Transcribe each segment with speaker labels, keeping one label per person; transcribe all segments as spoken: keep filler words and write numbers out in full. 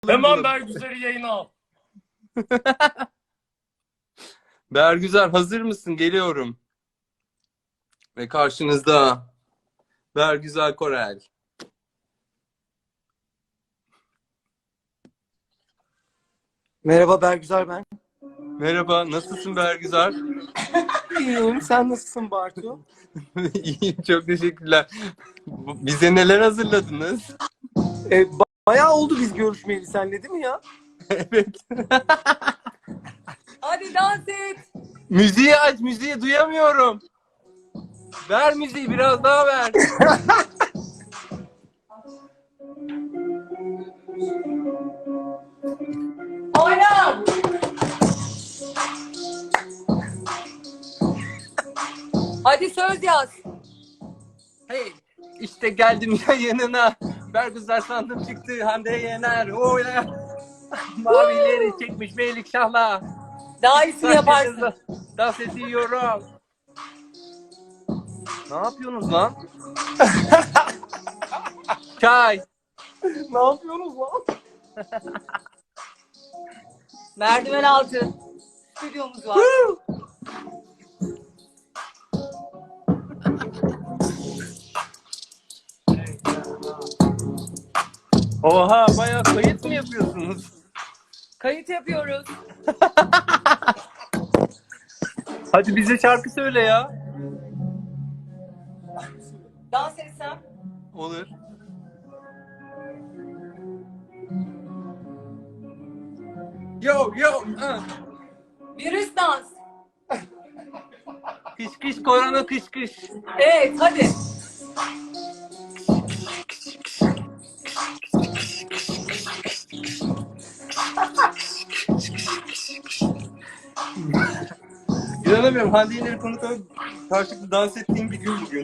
Speaker 1: Hemen Bergüzar'ı yayına al.
Speaker 2: Bergüzar hazır mısın? Geliyorum. Ve karşınızda Bergüzar Korel.
Speaker 3: Merhaba Bergüzar ben.
Speaker 2: Merhaba, nasılsın Bergüzar?
Speaker 3: İyiyim. Sen nasılsın Bartu?
Speaker 2: İyiyim, çok teşekkürler. Bu- Bize neler hazırladınız?
Speaker 3: E, ba- bayağı oldu biz görüşmeyeli seninle değil mi ya?
Speaker 2: Evet.
Speaker 4: Hadi dans et.
Speaker 2: Müziği aç, müziği duyamıyorum. Ver müziği, biraz daha ver.
Speaker 4: Oyna. Hadi söz yaz.
Speaker 2: Hey, işte geldim ya yanına. Bergüzar sandım çıktı, Hande Yener. Oyla. Mavileri çekmiş Melikşah'la.
Speaker 4: Daha iyisini yaparsın.
Speaker 2: Dans ediyorum. Ne yapıyorsunuz lan? Çay.
Speaker 3: Ne yapıyorsunuz lan?
Speaker 4: Merdiven altı. Stüdyomuz var.
Speaker 2: Oha, bayağı kayıt mı yapıyorsunuz?
Speaker 4: Kayıt yapıyoruz.
Speaker 2: Hadi bize şarkı söyle ya.
Speaker 4: Dans etsem.
Speaker 2: Olur. Yo yo. ah.
Speaker 4: Virüs dans.
Speaker 2: Kış kış korona kış kış.
Speaker 4: Evet hadi.
Speaker 2: İnanamıyorum, Hande Yener'i konuk alıp karşılıklı dans ettiğim bir gün bugün.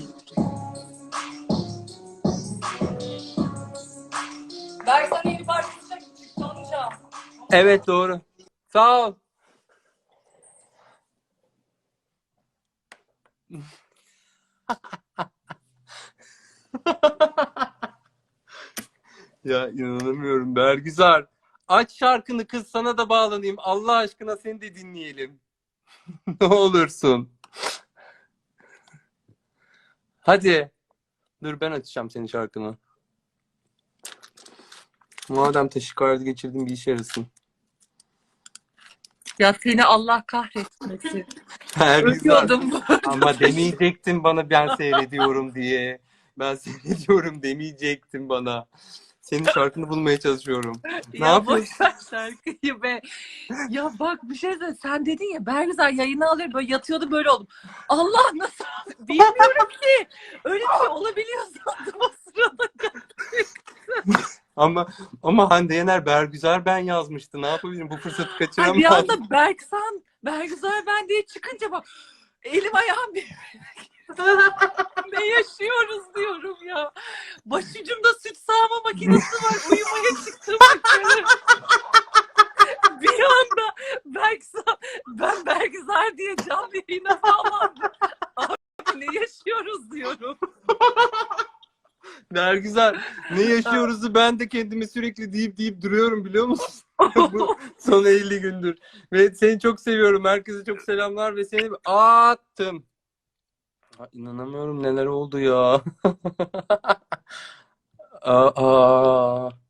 Speaker 4: Berk sana yeni parçası çıktı onu çal.
Speaker 2: Evet, doğru. Sağ ol. Ya inanamıyorum Bergüzar. Aç şarkını kız, sana da bağlanayım. Allah aşkına seni de dinleyelim. Ne olursun. Hadi. Dur, ben açacağım senin şarkını. Madem taşikardi geçirdim, bir işe yarasın.
Speaker 4: Ya seni Allah kahretmesin.
Speaker 2: Bergüzar.
Speaker 4: Ölüyordum.
Speaker 2: Ama demeyecektin bana ben seyrediyorum diye. Ben seyrediyorum demeyecektin bana. Senin şarkını bulmaya çalışıyorum. Ne
Speaker 4: Ya
Speaker 2: yapıyorsun?
Speaker 4: boş ver şarkıyı be. Ya bak bir şey söyle. Sen dedin ya Bergüzar yayını alıyor. Böyle yatıyordu böyle oldum. Allah nasıl? Bilmiyorum ki. Öyle bir şey olabiliyor sandım o sırada.
Speaker 2: Ama ama Hande Yener Bergüzar ben yazmıştı. Ne yapabilirim? Bu fırsatı
Speaker 4: Ay, bir
Speaker 2: kaçıramam.
Speaker 4: anda Berksan, Bergüzar ben diye çıkınca bak elim ayağım bir ne yaşıyoruz diyorum ya. Başucumda süt sağma makinesi var. Uyumaya çıktım yukarı. Bir anda Berksan, ben Bergüzar diye canlı yayına bağlandım. Abi ne yaşıyoruz diyorum.
Speaker 2: Bergüzar ne yaşıyoruzu ben de kendime sürekli deyip deyip duruyorum, biliyor musun? Bu son elli gündür. Ve seni çok seviyorum. Herkese çok selamlar ve seni attım. Ha, inanamıyorum, neler oldu ya. Aa.